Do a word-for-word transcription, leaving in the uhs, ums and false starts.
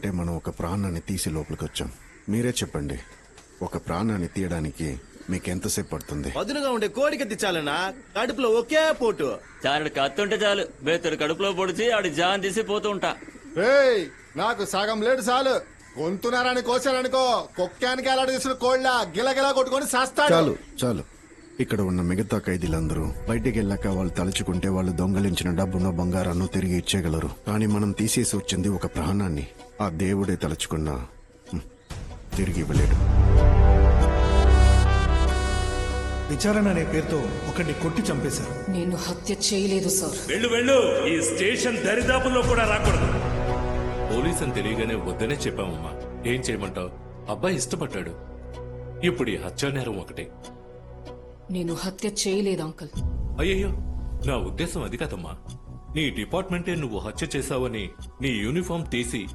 అంటే మనం ఒక ప్రాణాన్ని తీసి లోపలికి వచ్చాం. మీరే చెప్పండి, ఒక ప్రాణాన్ని తీయడానికి మీకు ఎంతసేపు పడుతుంది? పదునుగా ఉండే కోడికి తెచ్చాలన్నా కడుపులో ఒకే పోటు. చారుడు కత్తుంటే చాలు బేతుడు కడుపులో పొడిచి ఆడి జాన్ తీసి పోతూ ఉంటా. ఏయ్ నాకు సగం లేడు చాలు. గొంతునారని కోసారనుకో కుక్కానికి ఎలాంటి తీసుకుని కోళ్ళ గిలగిలా కొట్టుకొని సస్తాడు. చాలు చాలు. ఇక్కడ ఉన్న మిగతా ఖైదీలందరూ బయటికి వెళ్ళాక వాళ్ళు తలుచుకుంటే వాళ్ళు దొంగలించిన డబ్బును బంగారాన్ని తిరిగి ఇచ్చేయగలరు. కానీ మనం తీసేసి వచ్చింది ఒక ప్రాణాన్ని. ఆ దేవుడే తలుచుకున్నా హ్మ్, తిరిగి ఇవ్వలేడు. విచారణ అనే పేరుతో ఒకటి కొట్టి చంపేశారు. నేను హత్య చేయలేదు సార్. వెళ్ళు వెళ్ళు, ఈ స్టేషన్ దరిదాపుల్లో కూడా రాకూడదు. పోలీస్ అని తెలియగానే వద్దనే చెప్పామమ్మా. ఏం చేయమంటావు? అబ్బాయి ఇష్టపడ్డాడు. ఇప్పుడు ఈ హత్యా నేరం ఒకటే. నేను హత్య చేయలేదు అంకుల్. అయ్యయ్యో, నా ఉద్దేశం అది కాదమ్మా. నీ డిపార్ట్మెంటే నువ్వు హత్య చేశావని నీ యూనిఫామ్ తీసి